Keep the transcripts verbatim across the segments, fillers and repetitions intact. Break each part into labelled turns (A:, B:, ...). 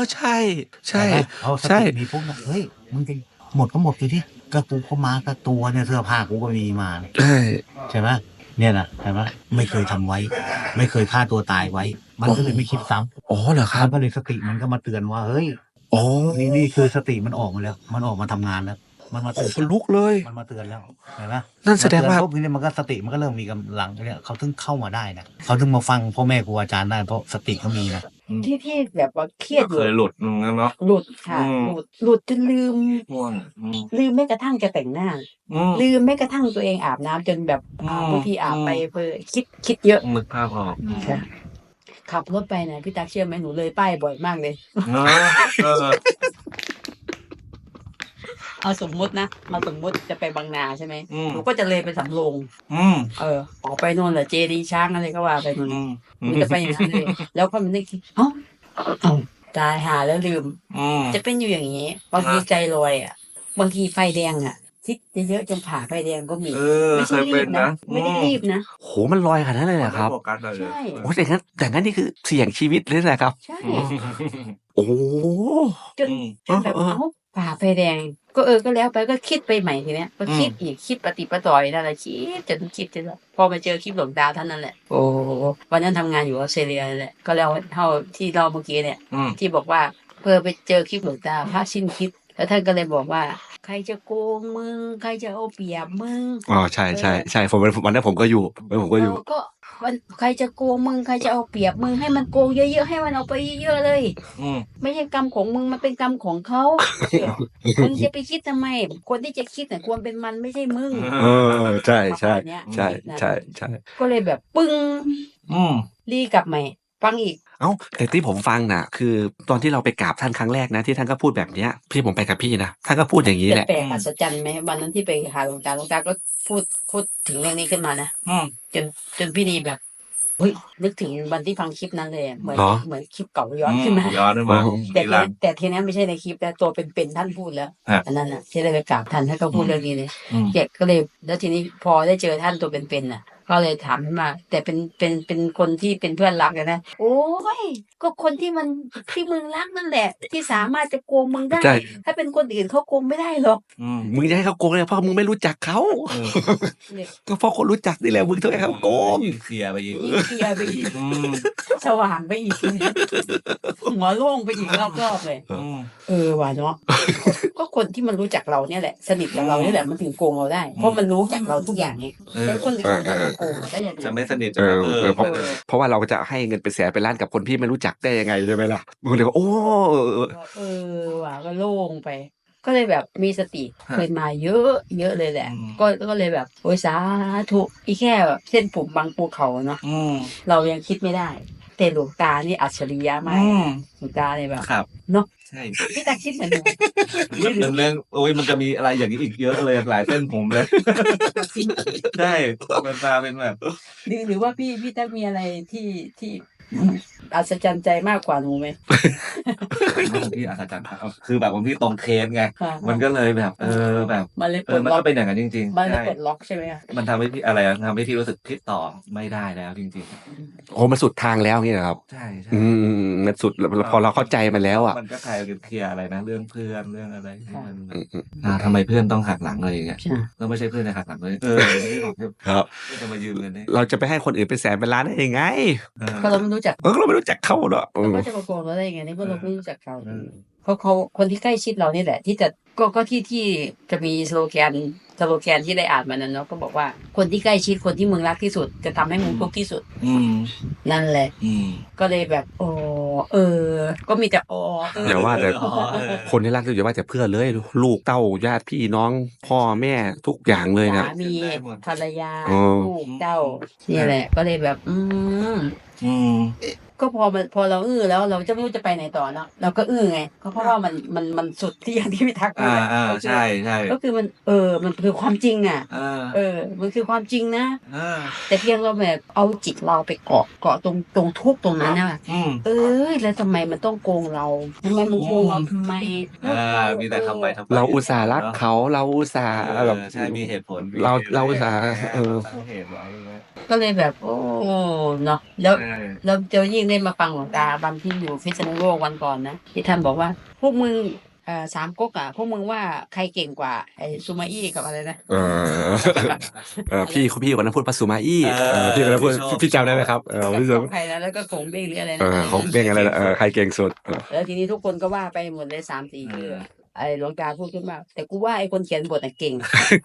A: ใช่ใช่
B: ใช่ไหมเอาส
A: ใช่
B: ติมีปุ๊บนะเฮ้ยมึงจะหมดก็หมดสิที่ก็กูก็มากับตัวเนี่ยเสื้อผ้ากูก็มีมาเนี่ย
A: ใช่
B: ใช่ไหมเนี่ยนะใช่ไหมไม่เคยทำไว้ ไม่เคยฆ่าตัวตายไว้ มันก็เลยไม่คิดซ้
A: อ๋อเหรอ
B: ำ
A: ครั
B: มั
A: บ
B: นก็เลยสติมันก็มาเตือนว่าเฮ้ย
A: อ๋อ
B: นี่นี่คือสติมันออกมาแล้ว มันออกมาทำงานแล้ว มันมาเตือน
A: คนลุกเลย
B: มันมาเตือนแล้วเห็นไหม
A: นั่นแสดงว่า
B: มเตือนปุ๊บนี่มันก็สติมันก็เริ่มมีกำลังเนี่ยเขาถึงเข้ามาได้นะเขาถึงมาฟังพ่อแม่ครูอาจารย์ได้เพราะสติเขามีนะ
C: ที่ที่แบบว่าเครียดอ
D: เค
C: ยู่
D: ยหลุดมึงแล้วเนาะ
C: หลุดค่ะ
D: อืม
C: หลุดหลุดจนลืม
D: ง่วงอืม
C: ลืมแม้กระทั่งจะแต่งหน้า
D: อืม
C: ลืมแม้กระทั่งตัวเองอาบน้ำจนแบบอ่า
D: อืม
C: บางทีอาบ
D: อืม
C: ไปเพอคิดคิดเยอะ
D: นึกภาพออกอืม
C: ค่ะขับรถไปนะพี่ตักเชื่อไหมหนูเลยป้ายบ่อยมากเลย
D: เนอะเออ
C: เอาสมมุตินะเอาสมมุติจะไปบางนาใช่ไหม
D: อืม
C: หนูก็จะเลยไปสำโรง
D: อืม
C: เออออกไปโน่นแหละเจดีย์ช้างอะไรก็ว่าไปนู่น
D: อืม
C: หนูจะไปอย่างนั้นเลย แล้วก็มันนึกคิดเอ้าเอ้าตายหาแล้วลืม
D: อืม
C: จะเป็นอยู่อย่างนี้บางทีใจลอยอ่ะบางทีไฟแดงอ่ะคิดเยอะๆจนผ่าไฟแดงก็มี
D: เออ
C: ไม่
D: เค
C: ใช่
D: ย
C: รี
D: เป็น
C: บนะ
D: นะ
C: ไม่ได้รีบนะ
A: โหมันลอยขนาดนั้นเลยเหรอครับ
D: ไม่โฟกัสอะไรเลย
C: ใช่
A: โอ้แต่งั้นแต่งั้นนี่คือเสี่ยงชีวิตเลยนะครับ
C: ใช่
D: อืม
A: โอ้
C: จน
D: อืม
C: จนแบบ
A: เออเออ
C: เอ้าผ่าไฟแดง ก็เออก็แล้วไปก็คิดไปใหม่ทีเนี้ยก็คิดอีกคิดปฏิปต่อยนั่นแหละคิดจนคิดจนแบบพอมาเจอคลิปหลวงตาท่านนั่นแหละโอ้วันนั้นทำงานอยู่ออสเตรเลียนั่นแหละก็แล้วเท่าที่เราเมื่อกี้เนี่ย
D: อืม
C: ที่บอกว่าเพื่อไปเจอคลิปหลวงตาพระสิ้นคิด แล้วท่านก็เลยบอกว่า ใครจะโกงมึง ใครจะเอาเปรียบมึง
A: อ๋อใช่ใช่ใช่ผมวันนั้นผมก็อยู่วันนั้นผมก็อยู่
C: เออก็วันใครจะโกงมึง ใครจะเอาเปรียบมึงให้มันโกงเยอะๆให้มันเอาไปเยอะๆเลย
D: อืม
C: ไม่ใช่กรรมของมึงมันเป็นกรรมของเขาเออมึงจะไปคิดทำไม คนที่จะคิดน่ะควรเป็นมันไม่ใช่มึง
A: เออใช่ใช่
C: ประมาณเนี้ย
A: ใช่
C: นั่น
A: ใช่ใช่
C: ก็เลยแบบปึ้ง
D: อืม
C: รีกลับใหม่ฟังอีก
A: เอ้าแต่ที่ผมฟังน่ะ คือตอนที่เราไปกราบท่านครั้งแรกนะที่ท่านก็พูดแบบเนี้ยพี่ผมไปกับพี่นะท่านก็พูดอย่างนี้
C: แต่
A: แหละ
C: แปลกอัศจรรย์ไหมวันนั้นที่ไปหาหลวงตาหลวงตาก็พูดพูดถึงเรื่องนี้ขึ้นมานะ
D: อืม
C: จนจนพี่ดีแบบเฮ้ยนึกถึงวันที่ฟังคลิปนั้นเลยอะเหมือน
A: เหรอ
C: เหมือนคลิปเก่าย้อนขึ้นมา
D: ย้อนขึ้นมา
A: อ๋อ
C: แต่
D: ที
C: ที
D: หลัง
C: นี้แต่ทีนี้ไม่ใช่ในคลิปแต่ตัวเป็นๆท่านพูดแล้ว
D: ครับ
C: อันนั้นน่ะที่ได้ไปกราบท่านท่านก็พูดเรื่องนี้เลย
D: อืม
C: เด็กก็เลยแล้วทีนี้พอได้เจอท่านตัวเป็นๆน่ะ ก็เลยถามขึ้นมา แต่เป็นเป็นเป็นคนที่เป็นเพื่อนรักอะนะโอ้ยก็คนที่มันที่มึงรักนั่นแหละ ที่สามารถจะโกงมึงได้
A: ใช่
C: ถ้าเป็นคนอื่นเขาโกงไม่ได้หรอก
D: อืม
A: มึงจะให้เขาโกงเลยเพราะมึงไม่รู้จักเขา
D: เออ
C: เนี่ย
A: ก็เพราะคนรู้จักนี่แหละมึงต้องให้เขาโกง
D: เคลียร์ไปอีก
C: ยิ่งเคลียร์ไปอีก
D: อืม
C: สว่างไปอีกหัวโล่งไปอีกรอบๆเลย
D: อืม
C: เออว่ะเนาะ ก็คนที่มันรู้จักเราเนี่ยแหละ สนิทกับเราเนี่ยแหละมันถึงโกงเราได้ เพราะมันรู้จักเราทุกอย่างไง
D: เออ
C: แล้วคนอื่นจะมาโกงได้ยังไง
D: จะไม่สนิท
A: เออ
D: เออ
A: เออเพราะ
C: เออ
A: เพราะว่าเราจะให้เงินเป็นแสนเป็นล้านกับคนที่ไม่รู้จักได้ยังไงใช่ไหมล่ะมึงเลยว่าโอ้เออเออ
C: เออว่ะก็โล่งไป ก็เลยแบบมีสติ
D: ฮะ
C: เคยมาเยอะเยอะเลยแหละ
D: อืม
C: ก็ก็เลยแบบโอ้ยสาธุอีแค่แบบเส้นผมบางภูเขาเนาะ
D: อืม
C: เรายังคิดไม่ได้ แต่หลวงตานี่อัจฉริยะมาก
D: อืม
C: หลวงตาเนี่ยแบบ
D: ครับ
C: เนาะ
D: ใช่
C: พี่ตาคิดเหมือนหนู
D: เรื่องเรื่องโอ้ยมันจะมีอะไรอย่างนี้อีกเยอะเลยหลายเส้นผมเลย ใช่เป็นตาเป็นแบบ
C: หรือหรือว่าพี่พี่ตั๊กมีอะไรที่ที่อัศจรรย์ใจมากกว่าหนูไหม
D: ของพี่อัศจรรย์ครับคือแบบของพี่ตรงเคสไง
C: ค่ะ
D: มันก็เลยแบบ เออแบบ
C: มันเลยป
D: เอ
C: ล
D: อ
C: ด
D: มัน
C: ล็อ
D: ก็
C: ก
D: เป็นอย่างนั้นจริง
C: มัน
D: ๆ
C: เลย
D: ใช่
C: ปลดล็อกใช่ไหมคะ
D: มันทำให้พี่อะไรอะทำให้พี่รู้สึกคิดต่อไม่ได้แล้วจริง
A: โอ้มันสุดทางแล้วนี่นะครับ
D: ๆ ใช่ใช่
A: อืมมันสุดแล้วพอเราเข้าใจมันแล้วอ่ะ
D: มันก็กลายเป็นเคลียร์อะไรนะเรื่องเพื่อนเรื่องอะไรที่มัน
A: อืมอืม
D: อ่าทำไมเพื่อนต้องหักหลังอะไรอย่างเงี้ย
C: ใช่
D: แล้วไม่ใช่เพื่อนจะหักหลังเลยเออไม่บอก
A: ครับ
D: เพื่อนจะมายืมเงินเนี่ย
A: เราจะไปให้คนอื่นเป็นแสนเป็นล้านได้ยังไง
D: เออ
C: ก็เราไม่รู้จัก
A: เออเราไม่รู้จักเขาเนาะเอ
C: เรา
A: อ
C: ก็จะมาโกงเราได้ยังไงในเมื่อเราไม่รู้จักเขา
D: เออ
C: เพราะเขาคนที่ใกล้ชิดเรานี่แหละ ที่จะก็ก็ที่ที่จะมีสโลแกนสโลแกนที่ได้อ่านมานั้นเนาะก็บอกว่าคนที่ใกล้ชิดคนที่มึงรักที่สุด จะทำให้มึงทุกข์ที่สุด
D: อืม
C: นั่นแหละ
D: อืม
C: ก็เลยแบบอ๋อเออ ก็มีแต่อ๋อเออ
A: อย่าว่าแต่
D: อ๋อเออ
A: คนที่รักที่สุดอย่าว่าแต่เพื่อนเลย ลูกเต้าญาติพี่น้อง พ่อแม่ทุกอย่างเลยนะ
C: สามีภรรยา
A: อ๋อ
C: ลูกเต้าเนี่ยแหละ ก็เลยแบบ อืม
D: อืม
C: ก็พอมันพอเราอื้อแล้วเราจะไม่รู้จะไปไหนต่อเนาะเราก็อื้อไงก็เพราะว่ามันมันมันสุดที่อย่างที่พี่ทักพูด
D: อ่า
C: อะ
D: อ่า
C: ก็คือ
D: ใช่ใช่
C: ก็คือมันเออมันคือความจริงอ่ะ
D: เออ
C: เออ มันคือความจริงนะ
D: เออ
C: แต่เพียงเราแบบเอาจิตเราไปเกาะเกาะตรงตรงทุกข์ตรงนั้นนะ
D: อืม
C: เอ้ยแล้วทำไมมันต้องโกงเราทำไมมันโกงเราทำไม
D: อ่ามีแต่ทำไปทำไป
A: เราอุตส่าห์รักเขาเราอุตส่าห์
D: เออ
A: แบบ
D: ใช่มีเหตุผล
A: เราเราอุตส่าห์เออ
D: ตั้งเหตุไว้
C: ก็เลยแบบ โอ้เนาะแล้ว
D: ใช่
C: เราจะยิ่งได้ได้มาฟังหลวงตาบันที่อยู่พิษณุโลกวันก่อนนะที่ท่านบอกว่าพวกมึงเอ่อสามก๊กอ่ะพวกมึงว่าใครเก่งกว่าไอ้ซูมาอี้กับอะไรนะ
A: เออเออพี่พี่คนนั้นพูดปาสุมาอี้
D: เออ
A: เออพี่คนนั้นพูด
D: ชอบ
A: พี่จำได้ไหมครับเออพี่
C: ข
A: จ
C: องใครนะแล้วก็ของเบ้งหรืออะไร
A: ำเอ
C: นะ
A: อเขาเป็นอะไรนะเออใครเก่งสุดเออ
C: แล้วทีนี้ทุกคนก็ว่าไปหมดเลยสามสี่ชื่อไอ้หลวงตาพูดขึ้นมาแต่กูว่าไอ้คนเขียนบทน่ะเก่ง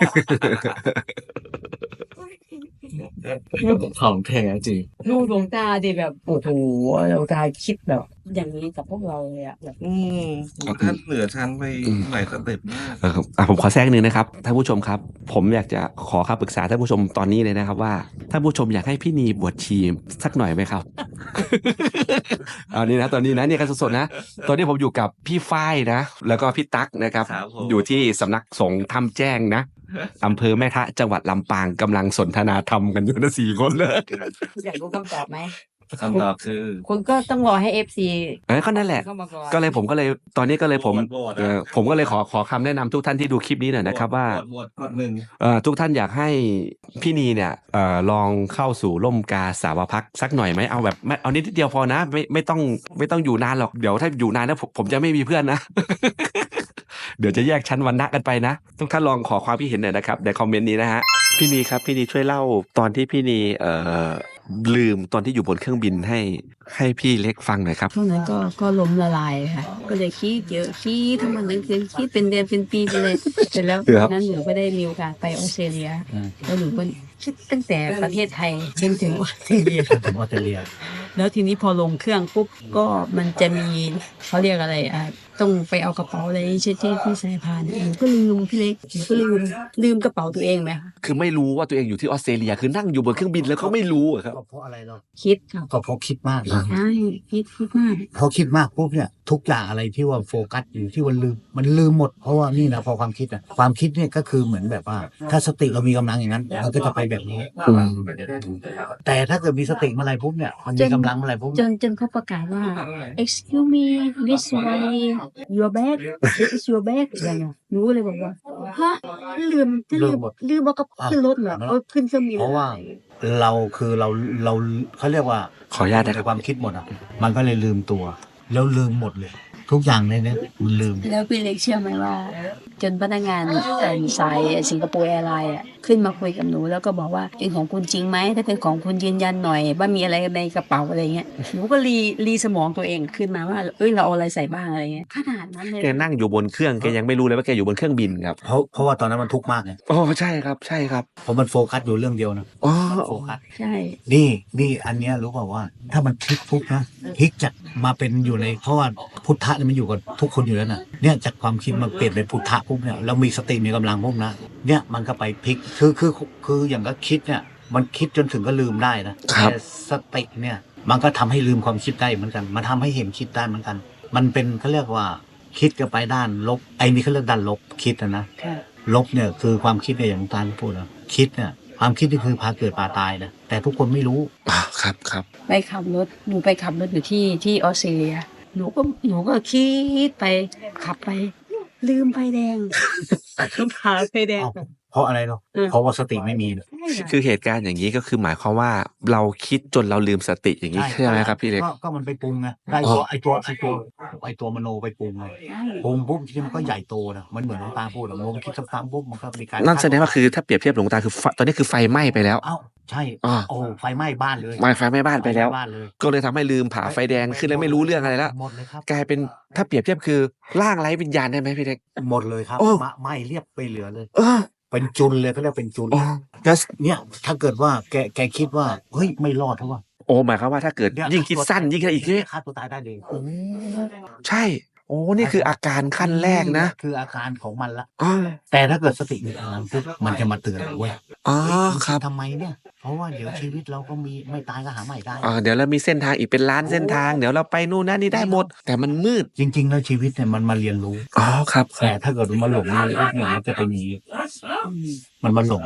D: ของแท้จริง
C: ดูหลวงตาดิแบบโอ้โหหลวงตาคิดแบบอย่างนี้กับพวกเราเลยอะแบบ
D: อืมท่านเหนือชั้นไปหลายสเต็ปมาก
A: เออครับอ่ะผมขอแทรกนึงนะครับท่านผู้ชมครับ ผมอยากจะขอคำปรึกษาท่านผู้ชมตอนนี้เลยนะครับว่าท่านผู้ชมอยากให้พี่นีบวชชีสักหน่อยไหมครับ เอานี่นะตอนนี้นะเนี่ยกันสดๆนะตอนนี้ผมอยู่กับพี่ฝ้ายนะ แล้วก็พี่ตั๊กนะครับ
D: ครับผม
A: อยู่ที่สำนักสงฆ์ถ้ำแจ้งนะอำเภอแม่ทะจังหวัดลำปางกำลังสนทนาธรรมกันอยู่นะสี่คนเลย
C: อยากรู้คำตอบไหม
D: คำตอบคือ
C: คุณก็ต้องรอให้เอฟซี
A: เออก็นั่นแหละ
C: เข้ามาก่อน
A: ก็เลยผมก็เลยตอนนี้ก็เลยผม
D: โหวตโหวตนะ
A: เออผมก็เลยขอขอคำแนะนำทุกท่านที่ดูคลิปนี้หน่อยนะครับว่า
D: หมวดหมวดหนึ่ง
A: เอ่อทุกท่านอยากให้พี่นีเนี่ยเอ่อลองเข้าสู่ร่มกาสาวพักสักหน่อยไหมเอาแบบไม่เอานิดเดียวพอนะไม่ไม่ต้องไม่ต้องอยู่นานหรอกเดี๋ยวถ้าอยู่นานนะผมผมจะไม่มีเพื่อนนะ เดี๋ยวจะแยกชั้นวรรณะกันไปนะทุกท่านลองขอความคิดเห็นหน่อยนะครับในคอมเมนต์นี้นะฮะพี่นีครับพี่นีช่วยเล่าตอนที่พี่นีเอ่อลืมตอนที่อยู่บนเครื่องบินให้ให้พี่เล็กฟังหน่อยครับ
C: ช่วงนั้นก็ก็ล้มละลายค่ะ ก็เลยคิดเยอะคิดทั้งวันทั้งคืนคิดเป็นเดือนเป็นปีไปเลยเสร็จแล้ว
A: ครับ
C: นั้นหนูก็ได้มีโอกาสไปออสเตรเลีย
B: อืม
C: แล้วหนูก็คิดตั้งแต่ประเทศไทยจนถึงออสเตรเลีย
B: ถึงออสเตรเลีย
C: แล้วทีนี้พอลงเครื่องปุ๊บก็มันจะมีเขาเรียกอะไรอ่ะต้องไปเอากระเป๋าอะไรที่ที่ที่สายพานหนูก็ลืมพี่เล็กหนูก็ลืมลืมกระเป๋าตัวเองไหมคะ
A: คือไม่รู้ว่าตัวเองอยู่ที่ออสเตรเลียคือนั่งอยู่บนเครื่องบินแล้วก็ไม่รู้อะครับ
B: ก็เพราะอะไรเนาะ
C: คิดค่ะ
B: ก็เพราะคิดมาก
C: ใช่คิดคิดมาก
B: พอคิดมากปุ๊บเนี่ยทุกอย่างอะไรที่ว่าโฟกัสอยู่ที่วันลืมมันลืมหมดเพราะว่านี่นะพอความคิดอ่ะความคิดเนี่ยก็คือเหมือนแบบว่า ถ้าสติเรามีกำลังอย่างนั้นมันก็จะไปแบบนี้
A: อืม
B: แต่ถ้าเกิดมีสติเมื่อไหรปุ๊บเนี่ยมันมีกำลังเมื่อไหรปุ๊บ
C: จนจนเขาประกาศว่า excuse me this way your bag is your bag อะไรเงี้ยหนูเลยบอกว่าฮะลืมจะลืมลืมเอากระเป๋าขึ้นรถเหรอเอาขึ้นเครื่องบิน
B: เพราะว่าเราคือเราเราเขาเรียกว่า
A: ขออนุญาตนะค
B: ใน
A: รับ
B: ความคิดหมดอ่ะมันก็เลยลืมตัว แล้วลืมหมดเลย ทุกอย่างในนี้มันลืม
C: แล้วพี่เล็กเชื่อไหมว่า จนพนักงานเอ่อสายสิงคโปร์แอร์ไลน์อ่ะขึ้นมาคุยกับหนูแล้วก็บอกว่าเป็นของคุณจริงไหมถ้าเป็นของคุณยืนยันหน่อยว่ามีอะไรในกระเป๋าอะไรเงี้ยหนูก็รีรีสมองตัวเองขึ้นมาว่าเอ้ยเราเอาอะไรใส่บ้างอะไรเงี้ยขนาดนั้นเลย
A: แกนั่งอยู่บนเครื่องแกยังไม่รู้เลยว่าแกอยู่บนเครื่องบินครับ
B: เพราะเพราะว่าตอนนั้นมันทุกข์มากไง
A: อ๋อใช่ครับใช่ครับ
B: เพราะมันโฟกัสอยู่เรื่องเดียวนะ
A: อ๋อ
B: มันโฟกัส
C: ใช่
B: นี่นี่อันเนี้ยรู้เปล่าว่า ถ้ามันพลิกปุ๊บนะพลิกจากมาเป็นอยู่ในเพราะว่าพุทธะเนี่ยมันอยู่กับทุกคนอยู่แล้วนะเนี่ยจากความคิดมันเปลี่ยนเป็นพุทธะปุ๊บเนี่ยแล้วมีสติมีกำลังปุ๊บนะเนี่ยมันก็ไปพลิกคือคือคืออย่างก็คิดเนี่ยมันคิดจนถึงก็ลืมได้นะครับ แต่สติเนี่ยมันก็ทำให้ลืมความคิดได้เหมือนกัน มันทำให้เห็นคิดได้เหมือนกัน มันเป็นเขาเรียกว่าคิดกันไปด้านลบไอ้นี่เขาเรียกด้านลบคิดนะนะ
C: ค่ะ
B: ลบเนี่ยคือความคิดเนี่ยอย่างตาลพูดนะคิดเนี่ยความคิดนี่คือพาเกิดพาตายนะแต่ทุกคนไม่รู้
A: อ่าครับครับ
C: ไปขับรถหนูไปขับรถอยู่ที่ที่ออสเตรเลียหนูก็หนูก็คิดไปขับไป ลืมไฟแดง ผ่าไฟแดง
B: เอ้าเพราะอะไรเนาะ
C: เออ
B: เพราะว่าสติไม่มี
C: ใช่ค่ะ
A: คือเหตุการณ์อย่างนี้ก็คือหมายความว่าเราคิดจนเราลืมสติอย่างนี้ใช่ไหมครับพี่เล็ก
B: ก็ก็มันไปปรุงไงได้ตัวไอตัวไอตัวไอตัวมโนไปปรุงไง
C: ใช่
B: ปรุงปุ๊บทีนี้มันก็ใหญ่โตนะมันเหมือนหลวงตาพูดอะมันคิดซ้ำๆปุ๊บมันก็มีการ
A: นั่นแสดงว่าคือถ้าเปรียบเทียบหลวงตาคือไฟตอนนี้คือไฟไหม้ไปแล้ว
B: เอ้าใช่
A: อ่า
B: โอ้ไฟไหม้บ้านเลย
A: ไหม้ไฟไหม้บ้านไปแล้ว
B: ฟหม้บ้านเลย
A: ก็เลยทำให้ลืมผ่าไฟแดงขึ้นแล้วไม่รู้เรื่องอะไรแล้ว
B: หมดเลยครับ
A: กลายเป็นถ้าเปรียบเทียบคือร่างไร้วิญญาณได้ไหมพี่เล็ก
B: หมดเลยครับ
A: โอ้
B: มะไหม้เรียบไปเหลือเลย
A: เออ
B: เป็นจุนเลยเขาเรียกเป็นจุน
A: โอ้แล้ว
B: เนี่ยถ้าเกิดว่าแกแกคิดว่าเฮ้ยไม่รอดเพราะว่า
A: โอ้หมายความว่าถ้าเกิด
B: เนี่
A: ยิ่งคิดสั้นยิ่งอะไรอีกเนี่ย
B: ฆ่าตัวตายได้เลย
A: โอ้ใช่ โอ้นี่คืออาการขั้นแรกนะ
B: คืออาการของมันละ
A: อ๋อ
B: แต่ถ้าเกิดสติมีกำลังปุ๊บมันจะมาเตือนเว้ย
A: อ๋อ
B: เฮ้ย
A: ครับ
B: ทำไมเนี่ย เพราะว่าเดี๋ยวชีวิตเราก็มีไม่ตายก็หาใหม่ได้
A: อ่าเดี๋ยวเรามีเส้นทางอีกเป็นล้านเส้นทาง เดี๋ยวเราไปนู่นนั่นนี่ได้หมด แต่มันมืด
B: จริง ๆ แล้วชีวิตเนี่ยมันมาเรียนรู้
A: อ๋อครับ
B: แต่ถ้าเกิดมันมาหลงเนี่ยมันจะเป็นอย่างนี้มันมาหลง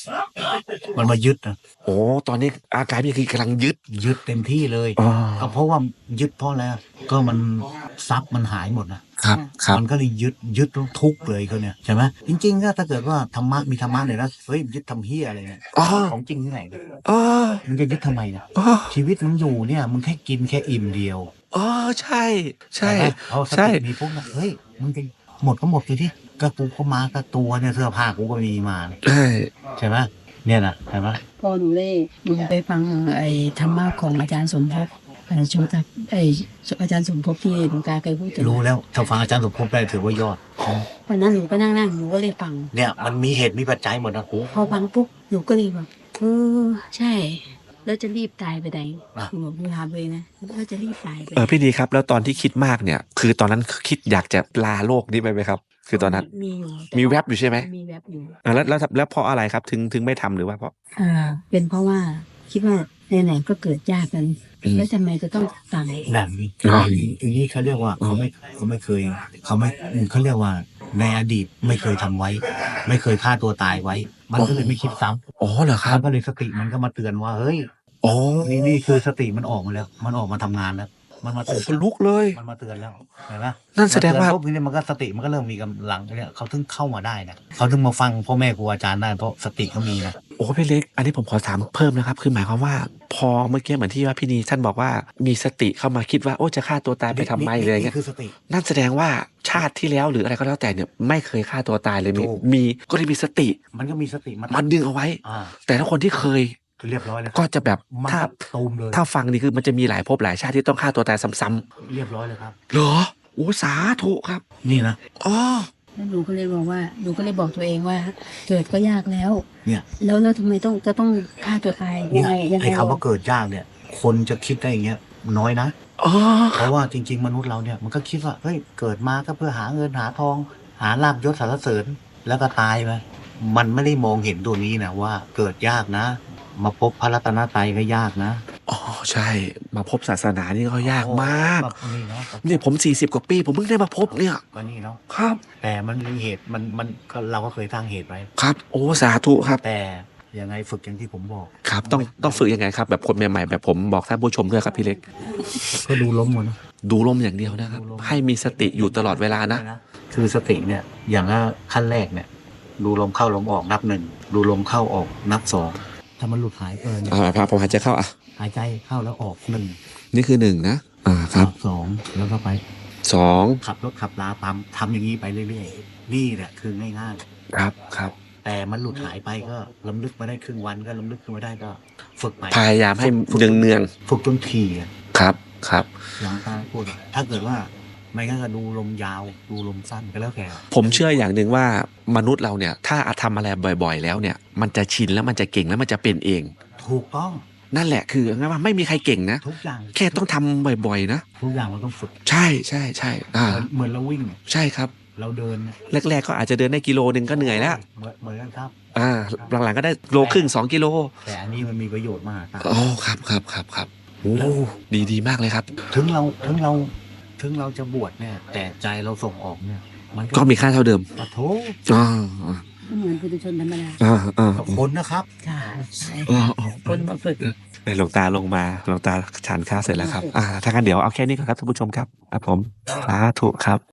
B: มันมายึดนะ
A: โอ้ตอนนี้อาการพี่คือกำลังยึด
B: ยึดเต็มที่เลย
A: อ๋อ
B: ก็เพราะว่ายึดเพราะอะไรก็มันทรัพย์มันหายหมดนะครับ
A: ครับ
B: มันก็เลยยึดยึดทุกข์เลยเขาเนี่ยใช่ไหมจริงๆก็ถ้าเกิดว่าธรรมะมีธรรมะเนี่ยนะเฮ้ยยึดทำเฮียอะไรเนี่ย
A: อ๋อ
B: ของจริงที่ไหนเนี่ย
A: อ๋อ
B: มึงจะยึดทำไมเนี่ย
A: อ๋อ
B: ชีวิตมึงอยู่เนี่ยมึงแค่กินแค่อิ่มเดียว
A: อ๋อใช่ใช่
B: ไหมเอาส
A: ใช่
B: ติมีปุ๊บนะเฮ้ยมึงจะหมดก็หมดเลยที่ก็กูก็มาก็ตัวเนี่ยเสื้อผ้ากูก็มีมา
A: ใช่
B: ใช่ไหมเนี่ยนะใช่ไหม
C: พอหนูได้หนูไปฟังไอ้ธรรมะของอาจารย์สมภพไอ้โชตักไอ้อาจารย์สมภพที่หลวงตาเคยพูดถึง
B: รู้แล้วถ้าฟังอาจารย์สมภพได้ถือว่ายอด
C: วันนั้นหนูก็นั่งนั่งหนูก็เลยฟัง
B: เนี่ยมันมีเหตุมีปัจจัยหมดนะโอ้
C: พอฟังปุ๊บหนูก็เลยแบบเออใช่ แล้วจะรีบตายไปไหนหนูบอกหนูถามเลยนะแล้วจะรีบตายไป
A: เออพี่ดีครับ แล้วตอนที่คิดมากเนี่ย คือตอนนั้นคิดอยากจะลาโลกนี้ไปไหมครับ คือตอนนั้น
C: มีอยู่
A: มีแวบอยู่ใช่ไหม
C: มีแวบอยู่
A: อ่าแล้วแล้วแล้วเพราะอะไรครับถึงถึงไม่ทำหรือว่าเพราะ
C: อ่าเป็นเพราะว่าคิดว่าไหนๆก็เกิดยากกัน
A: อืม
C: แล้วทำไมจะต้องตาย
B: แบบนี้
A: อ๋อ
B: อย่างนี้เขาเรียกว่าเขาไม่เขาไม่เคยเขาไม่เขาเรียกว่าในอดีตไม่เคยทำไว้ ไม่เคยฆ่าตัวตายไว้ มันก็เลยไม่คิดซ้
A: อ๋อเหรอค
B: ำ
A: รั
B: มั
A: บ
B: นก็เลยสติมันก็มาเตือนว่าเฮ้ย
A: อ๋อ
B: นี่นี่คือสติมันออกมาแล้ว มันออกมาทำงานแล้ว มันมาเตือน
A: คนลุกเลย
B: มันมาเตือนแล้วเห็นไหม
A: นั่นแสดงว่า
B: มเตือนปุ๊บทีนี้มันก็สติมันก็เริ่มมีกำลังเนี่ยเขาถึงเข้ามาได้นะเขาถึงมาฟังพ่อแม่ครูอาจารย์ได้เพราะสติเขามีนะ
A: โอ้พี่เล็ก อันนี้ผมขอถามเพิ่มนะครับ คือหมายความว่า พอเมื่อกี้เหมือนที่ว่าพี่นีท่านบอกว่ามีสติเข้ามาคิดว่าโอ้จะฆ่าตัวตายไปทำไมเลยอย่างเงี้ย
B: นี่คือสติ
A: นั่นแสดงว่าชาติที่แล้วหรืออะไรก็แล้วแต่เนี่ยไม่เคยฆ่าตัวตายเลยมี
B: ถูก
A: มีก็เลยมีสติ
B: มันก็มีสติมา
A: มันดึงเอาไว้
B: อ่า
A: แต่ถ้าคนที่เคย
B: คือเรียบร้อยเลย
A: ก็จะแบบ
B: มัน
A: ถ้า
B: ก็ตูมเลย
A: ถ้าฟังนี่คือมันจะมีหลายภพหลายชาติที่ต้องฆ่าตัวตายซ้ำ
B: เรียบร้อยเลยครับ
A: ๆเหรอโอ้สาธุครับ
B: นี่นะ
A: อ๋อ
C: แล้วหนูก็เลยบอกว่าหนูก็เลยบอกตัวเองว่า เกิดก็ยากแล้ว
B: เนี่ย
C: แล้วแล้วทำไมต้องจะต้องฆ่าตัวตายยังไงยังไง
B: ไอ้คำว่าเกิดยากเนี่ย คนจะคิดได้อย่างเงี้ยน้อยนะ
A: อ๋อ
B: เพราะว่าจริง ๆ มนุษย์เราเนี่ยมันก็คิดว่าเฮ้ยเกิดมาก็เพื่อหาเงินหาทอง หาลาบยศสรรเสริญแล้วก็ตายไปมันไม่ได้มองเห็นตัวนี้นะว่าเกิดยากนะ มาพบพระรัตนตรัยก็ยากนะ
A: อ๋อใช่ มาพบศาสนานี่ก็ยากมาก
B: แบบนี่เนาะ
A: เนี่ยผมสี่สิบกว่าปี ผมเพิ่งได้มาพบเนี่ย
B: ก็นี่เนาะ
A: ครับ
B: แต่มันมีเหตุมันมันก็เราก็เคยสร้างเหตุไว้
A: ครับ โอ้สาธุครับ
B: แต่ยังไงฝึกอย่างที่ผมบอก
A: ครับ ต้องต้องฝึกยังไงครับ แบบคนใหม่ๆแบบผมบอกท่านผู้ชมด้วยครับพี่เล็ก
B: ก็ดูล้มหมดนะ
A: ดูลมอย่างเดียวนะครับ
B: ดูลม
A: ให้มีสติอยู่ตลอดเวลานะ
B: คือสติเนี่ยอย่างว่าขั้นแรกเนี่ย ดูลมเข้าลมออกนับหนึ่งดูลมเข้าออกนับสองถ้ามันหลุดหายไปเนี่ย
A: อ่าครับผมหายใจเข้าอ่ะ
B: หายใจเข้าแล้วออกหนึ่ง
A: นี่คือหนึ่งนะ อ่าครับ
B: สองแล้วก็ไป
A: สอง
B: ขับรถขับลาตามทำอย่างนี้ไปเรื่อยๆนี่แหละคือง่าย
A: ครับครับ
B: ๆแต่มันหลุดหายไปก็ลำลึกมาได้ครึ่งวันก็ลำลึกขึ้นมาได้ก็ ฝึกใหม่
A: พยายามให้เนืองเนือง
B: ฝึกจนถี่อะ
A: ๆครับครับ
B: อย่างตาพูดถ้าเกิดว่าไม่งั้นก็ดูลมยาว ดูลมสั้นก็แล้วแต่
A: ผมเชื่ออย่างหนึ่งว่ามนุษย์เราเนี่ย ถ้าทำอะไรบ่อยๆ แล้วเนี่ย มันจะชินแล้วมันจะเก่งแล้วมันจะเป็นเอง
B: ถูกต้อง
A: นั่นแหละคืองั้นว่าไม่มีใครเก่งนะ
B: ทุกอย่าง
A: แค่ต้องทำบ่อยๆ นะ
B: ทุกอย่างมันต้องฝึก
A: ใช่ใช่ใช่อ่า
B: เหมือนเหมือนเราวิ่ง
A: ใช่ครับ
B: เราเดินเนี่ย
A: แรกๆก็อาจจะเดินได้กิโลหนึ่งก็เหนื่อยแล้ว
B: เหมือนเหมือนกันครับ
A: อ่า หลังๆก็ได้โลครึ่งสองกิโล
B: แต่อันนี้มันมีประโยชน์มากครับ
A: อ๋อครับครับครับครับโอ้ดีดีมากเลยครับ
B: ถึงเราถึงเราถึงเราจะบวชเนี่ย แต่ใจเราส่งออกเนี่ย มัน
A: ก็มีค่าเท่าเดิม
B: ปะโถ
A: อ่า
C: ก็เหมือนปุถุชนธรรมดา
A: อ่าอ่า
B: กับคนนะครับ
C: ค่ะ
A: อ่าอ่า
C: คนมาฝึก
A: หลวงตาลงมาหลวงตาฉันข้าวเสร็จแล้วครับ อ่าถ้างั้นเดี๋ยวเอาแค่นี้ก่อนครับท่านผู้ชมครับครับผมสาธุครับ